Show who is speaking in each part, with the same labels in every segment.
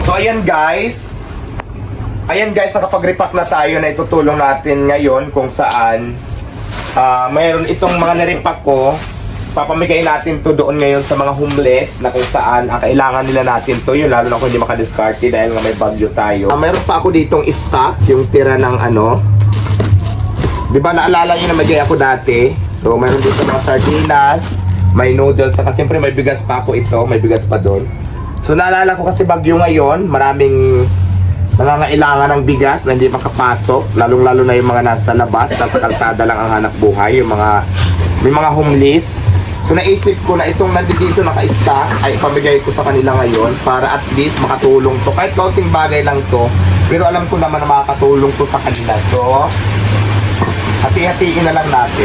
Speaker 1: So ayan guys, nakapag-repack na tayo na itutulong natin ngayon kung saan mayroon itong mga nirepack ko. Papamigay natin to doon ngayon sa mga homeless na kung saan kailangan nila natin to, yun lalo na kung hindi makadiskarte dahil nga may bagyo tayo. Mayroon pa ako ditong stock, yung tira ng ano, di ba naalala nyo na magay ako dati? So mayroon dito mga sardinas, may noodles, saka siyempre may bigas pa ako ito, may bigas pa doon. So naalala ko kasi bagyo ngayon, maraming nangangailangan ng bigas na hindi makapasok, lalong-lalo na yung mga nasa labas, nasa kalsada lang ang hanap buhay, yung mga may mga homeless. So naisip ko na itong nandito naka-stock ay pamigay ko sa kanila ngayon para at least makatulong to. Kahit kaunting bagay lang to, pero alam ko naman na makakatulong to sa kanila. So hati-hatiin na lang natin.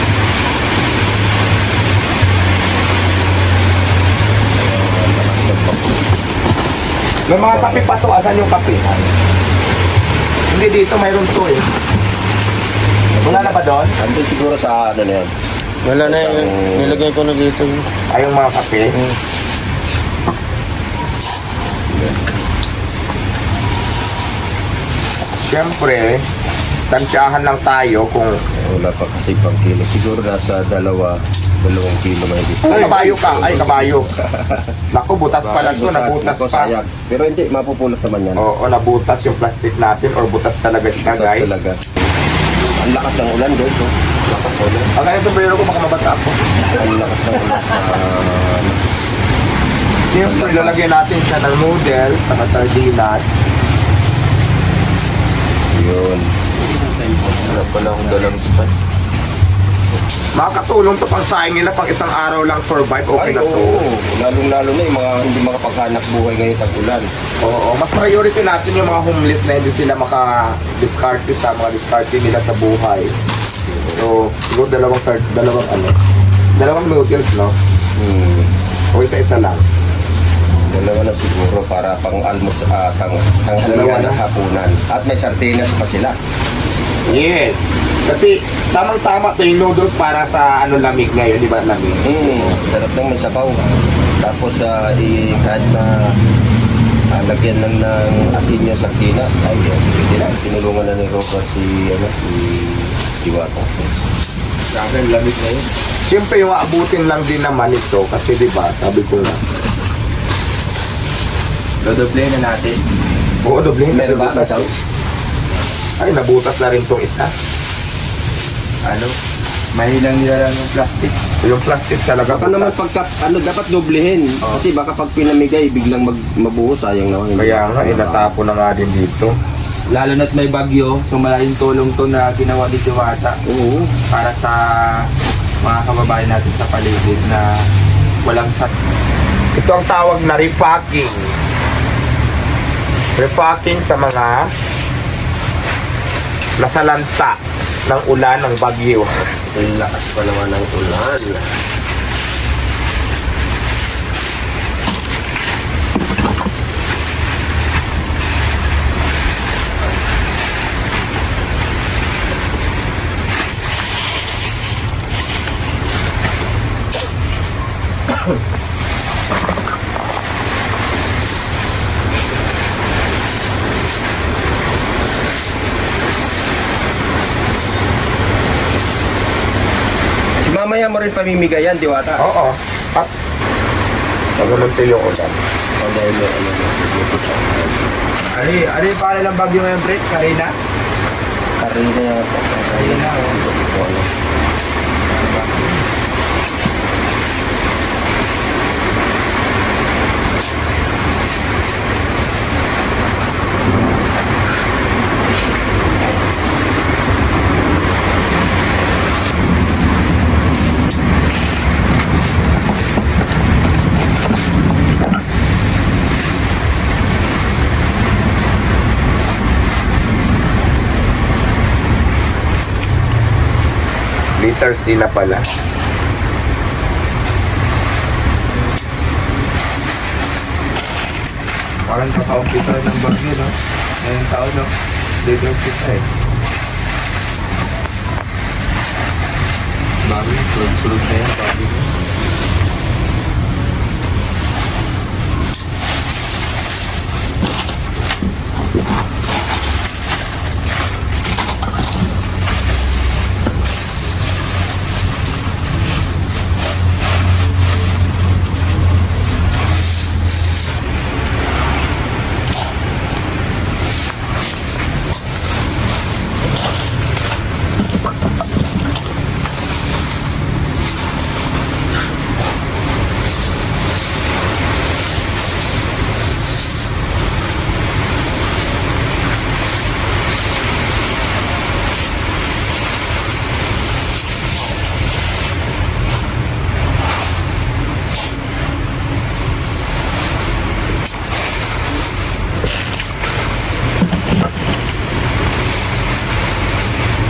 Speaker 1: May mga kape pa to. Asan yung kape? Hindi, dito mayroon to eh. Wala na ba doon?
Speaker 2: Andun siguro sa ano na yan.
Speaker 3: Wala na yun. Nilagay ko na dito.
Speaker 1: Ay, yung mga kape. Siyempre, tansyahan lang tayo kung...
Speaker 2: Wala pa kasi pang kilo. Siguro nasa 2 kilo mahigit.
Speaker 1: Ay, kabayo ka. Ay, kabayo. Naku, butas pala to. Nabutas
Speaker 2: Naku,
Speaker 1: pa.
Speaker 2: sayang. Pero hindi, mapupulot naman yan.
Speaker 1: Oo, nabutas yung plastic natin or butas talaga siya,
Speaker 2: Butas
Speaker 1: guys.
Speaker 2: talaga. Ang lakas ng ulan doon. So. Lakas ng ulan.
Speaker 1: Ang kaya sa bayro ko, baka mabasa ako.
Speaker 2: Ang lakas ng ulan sa...
Speaker 1: Siyempre, lalagyan natin siya ng noodles, saka sardinas.
Speaker 2: Yun. Wala pala akong dalang stand.
Speaker 1: Makakatulong to pang saing nila pang isang araw lang survive, okay
Speaker 2: Ay,
Speaker 1: na to.
Speaker 2: oo. Lalong-lalo na yung mga hindi makapaghanap buhay ngayon tag-ulan.
Speaker 1: Oo, mas priority natin yung mga homeless na hindi sila maka-discarte sa mga discarte nila sa buhay. So, siguro dalawang noodles, no? O isa-isa lang.
Speaker 2: Dalawa na siguro para pang almos, tanghalian at hapunan. At may sardinas pa sila.
Speaker 1: Yes! Kasi tamang-tama to yung noodles para sa lamig ngayon, di ba lamig?
Speaker 2: Sarap nang may sabaw. Tapos kahit na lagyan lang ng asin yung sardinas, ay pwede na. Tinulungan na ni Robert si Diwata.
Speaker 1: Sa akin, lamig ngayon. Siyempre, yung aabutin lang din naman ito kasi di ba, sabi ko na.
Speaker 3: Dodoble na natin.
Speaker 1: Oo, doble.
Speaker 2: Meron ba? Masaw?
Speaker 1: Ay, nabutas na rin tong isa.
Speaker 3: Mahilang nila lang yung plastic.
Speaker 1: Yung plastic talaga.
Speaker 2: Baka naman dapat doblehin. Kasi baka pag pinamigay, biglang mabuo, sayang naman.
Speaker 1: Kaya nga, natapon na nga din dito.
Speaker 3: Lalo na't may bagyo, so malaking tulong to na ginawa ni Diwata
Speaker 2: Oo.
Speaker 3: para sa mga kababayan natin sa paligid na walang
Speaker 1: Ito ang tawag na repacking. Repacking sa mga nasalanta ng ulan ng bagyo.
Speaker 2: Ang lakas pa naman ng ulan. Mamaya mo rin pamimigay yan, Diwata.
Speaker 1: Oo. At pag-amunti yung ulan.
Speaker 2: O dahil may
Speaker 3: Ano yung pangalan ng bagyo ngayon, Brett? Karina?
Speaker 2: Karina yata.
Speaker 3: Karina,
Speaker 1: Liter C na pala.
Speaker 3: parang kaka-umpisa ng bagyo, no? Ngayong taon, no? Dito umpisa eh. Bagyo, sulod na yan, bagyo.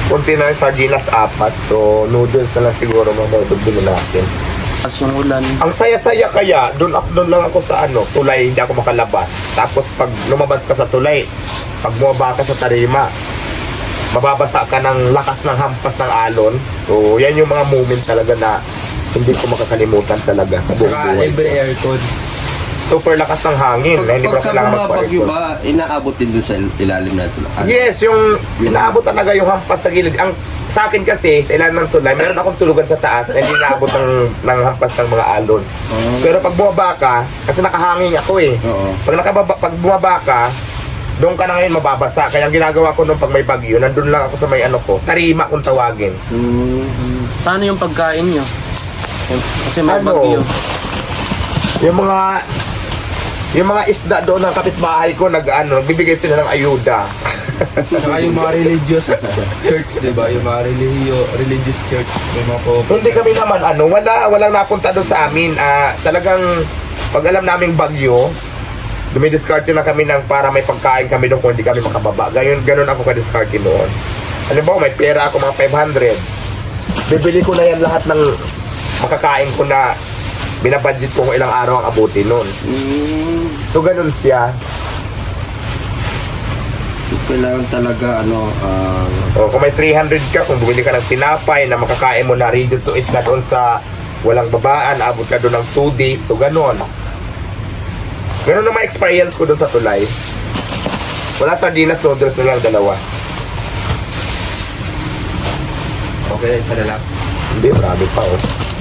Speaker 1: Kunti na yung sardinas 4. So, noodles na lang siguro mamabili natin.
Speaker 4: As yung ulan.
Speaker 1: Ang saya-saya kaya, doon lang ako sa tulay, hindi ako makalabas. Tapos pag lumabas ka sa tulay, pag bumaba ka sa tarima, mababasa ka ng lakas ng hampas ng alon. So, yan yung mga moment talaga na hindi ko makakalimutan talaga. Sa buong
Speaker 2: Saka
Speaker 1: buhay
Speaker 2: libre
Speaker 1: ko.
Speaker 2: aircon.
Speaker 1: Super lakas ng hangin. na hindi ko na
Speaker 2: Pagka
Speaker 1: kailangan
Speaker 2: bumabagyo
Speaker 1: magpa-aircon.
Speaker 2: ba, inaabot din dun sa ilalim natin.
Speaker 1: Yes, yung inaabot talaga yung hampas sa gilid. Ang sa akin kasi, sa ilalim ng tulay, meron akong tulugan sa taas na hindi inaabot ng hampas ng mga alon. Pero pag bumaba ka, kasi nakahangin ako eh.
Speaker 2: Oo.
Speaker 1: Pag bumaba ka, doon ka na ngayon mababasa. Kaya ang ginagawa ko nung pag may bagyo, nandun lang ako sa may tarima kung tawagin.
Speaker 4: Paano yung pagkain nyo? Kasi may
Speaker 1: Ano?
Speaker 4: bagyo.
Speaker 1: Yung mga isda doon ng kapitbahay ko, nagbibigay sila ng ayuda.
Speaker 3: Saka yung mga religious church, di ba? Yung mga religious church. May mga
Speaker 1: Hindi kami naman, walang napunta doon sa amin. Talagang, pag alam naming bagyo, dumidiskarte na kami para may pagkain kami doon kung hindi kami makababa. Ganun ako ka-diskarte noon. Alam mo, may pera ako mga 500. Bibili ko na yan lahat ng makakain ko na binabudget ko kung ilang araw ang abuti noon. So, ganun siya.
Speaker 2: Kailangan talaga,
Speaker 1: O, kung may 300 ka, kung bumili ka ng tinapay na makakain mo na ready to eat na doon sa walang babaan, abot ka doon ng 2 days. So, ganun. Ganun na ma-experience ko doon sa tulay. Wala sardinas, noodles na lang, 2.
Speaker 2: okay na isa na lang.
Speaker 1: Hindi, marami pa oh.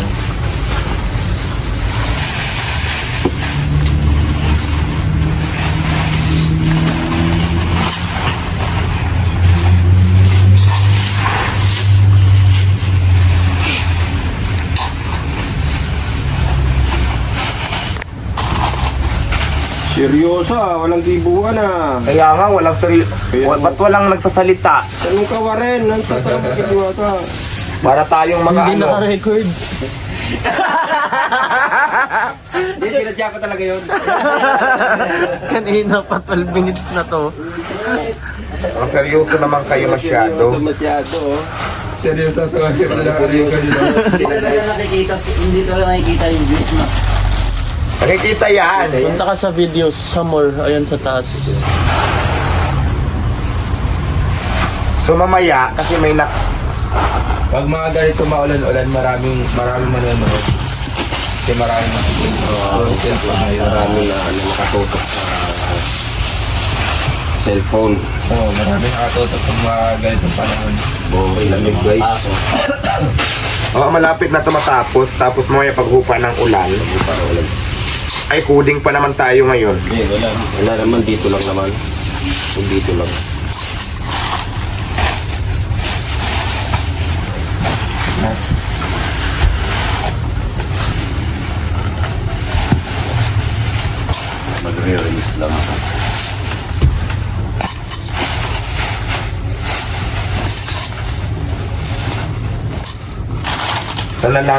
Speaker 2: Seryoso walang tibuan
Speaker 1: Kaya nga, ba't walang nagsasalita?
Speaker 2: Tanong ka wa rin, ang tatawag ka.
Speaker 1: Para tayong mga
Speaker 4: Hindi naka-record.
Speaker 2: Hindi, sinadya ko talaga yun.
Speaker 4: Kanina pa 12 minutes na to.
Speaker 1: Ang seryoso naman kayo masyado.
Speaker 2: Masyado.
Speaker 3: seryoso sa mga kanina.
Speaker 5: Hindi talaga nakikita yung views mo.
Speaker 1: Nakikita yan.
Speaker 4: Punta ka sa videos, sa more, ayun sa taas.
Speaker 1: So mamaya, kasi may
Speaker 3: Pag mga ganito maulan-ulan, maraming manonood. Kasi maraming cellphone ngayon.
Speaker 2: Marami na nakatutok sa cellphone.
Speaker 3: Oo, maraming nakatutok sa mga ganitong panahon.
Speaker 2: Lamig guys.
Speaker 1: malapit na ito matapos. Tapos mamaya paghupa ng ulan. Ay, coding pa naman tayo ngayon.
Speaker 2: Hindi, wala naman, dito lang naman. Kung dito lang. Magre-release lang ako.
Speaker 1: Sana lang.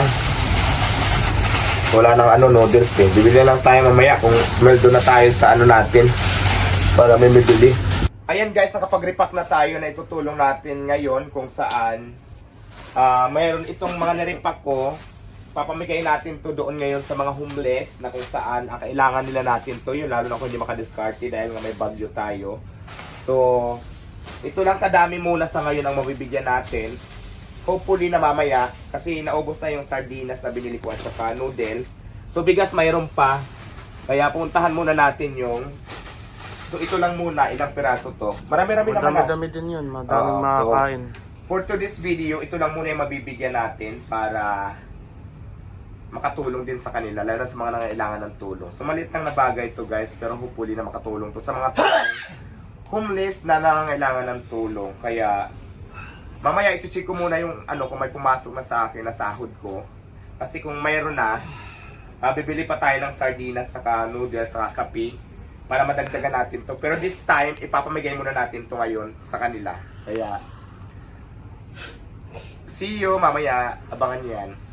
Speaker 1: Wala nang noodles eh. Bibili lang tayo mamaya kung smell na tayo sa natin. Para may bibili. Ayan guys, nakapag-repack na tayo na itutulong natin ngayon kung saan mayroon itong mga na-repack ko. Papamigay natin to doon ngayon sa mga homeless na kung saan kailangan nila natin to. Yun, lalo na kung hindi makadiskarte dahil nga may bagyo tayo. So, ito lang kadami muna sa ngayon ang mabibigyan natin. Hopefully na mamaya, kasi naubos na yung sardinas na binili ko at saka noodles. So bigas mayroon pa. Kaya puntahan muna natin yung... So ito lang muna, ilang piraso to. Marami-rami naman.
Speaker 4: Madami-dami din yun, madaming
Speaker 1: Oo,
Speaker 4: makakain.
Speaker 1: For today's video, ito lang muna yung mabibigyan natin para makatulong din sa kanila, lalo na sa mga nangailangan ng tulong. So maliit lang na bagay ito guys, pero hopefully na makatulong to sa mga homeless na nangangailangan ng tulong. Kaya mamaya i-check ko muna yung kung may pumasok na sa akin na sahod ko. Kasi kung mayroon na, bibili pa tayo ng sardinas, saka noodles, saka kape para madagdagan natin to. Pero this time, ipapamigay muna natin to ngayon sa kanila. Kaya, see you mamaya. Abangan niyo yan.